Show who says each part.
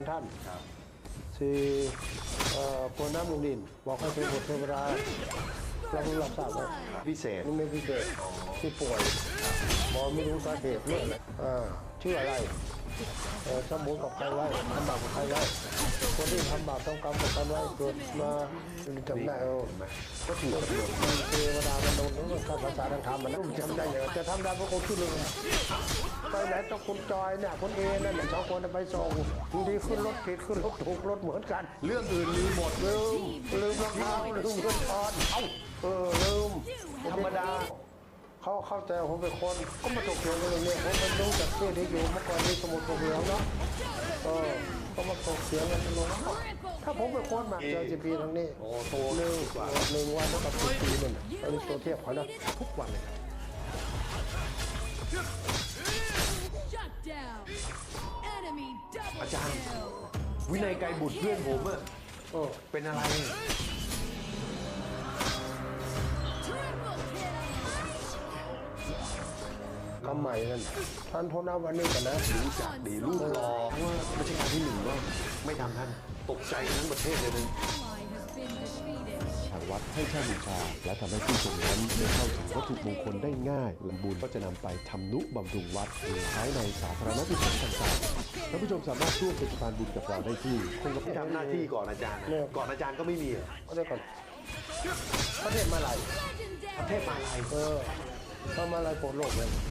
Speaker 1: ท่านสี่พลน้ำลงดินบอกให้เป็นบทเทวดาเราเพิ่งรับทราบว่า
Speaker 2: พิเศษ
Speaker 1: นี่ไม่พิเศษที่ป่วยหมอไม่รู้สาเหตุเรื่องอะไรชื่ออะไรสมบูรณ์กับใครไว้ทำบาปกับใครไว้คนที่ทำบาปต้องกรรมกับกันไว้เกิดมาจำได้ก็ถูกเทวดามันโดนถ้าภาษาทางธรรมมันจำได้อย่างจะทำได้เพราะคนที่หนึ่งไปไหนต้องคุณจอยเนี่ยคนเอนั่นสองคนไปส่งบางทีขึ้นรถผิดขึ้นรถถูกรถเหมือนกัน
Speaker 2: เรื่องอื่นลืมหมด
Speaker 1: ลืมรองเท้าลืมเงินทอนลืมธรรมดาเขาเข้าใจผมเป็นคนก็มาตกเถียงกันอย่างนี้ผมมันรู้จากที่ที่อยู่เมื่อก่อนที่สมุทรปราการเนาะก็มาตกเถียงกันลงถ้าผมเป็นคนมาเจอจีพีทางนี้โตหนึ่งวันเท่ากับ10 ปีนั่นอันนี้ตัวเทียบเขานะทุกวันเลย
Speaker 2: อาจารย์ วินัยไกรบุตรเพื่อนผมอะเป็นอะไร
Speaker 1: คำใหม่นั่นท่านโทษนะวันนี้กันนะ
Speaker 2: รู้จักดีลูกรอว่ารัชกาลที่ 1ก็ไม่ทำท่านตกใจทั้งประเทศเลยนะ
Speaker 3: ทางวัดให้เช่าบูชาและทำให้ผู้ชมนั้นได้เข้าถึงวัตถุมงคลได้ง่ายลำบุญก็จะนำไปทำนุบำรุงวัดหรือใช้ในสาธารณกุศลต่างๆท่านผู้ชมสามารถร่วมเป็นสะพานบุญกับเราได้ที่
Speaker 2: คงจะทำหน้าที่ก่อนอาจารย์ก่อนอาจารย์ก็ไม่มีอะ
Speaker 1: ก็ได้ก่อนประเทศมาลาย
Speaker 2: ประเทศมาลาย
Speaker 1: ทำมาลายโปรดโลกเลย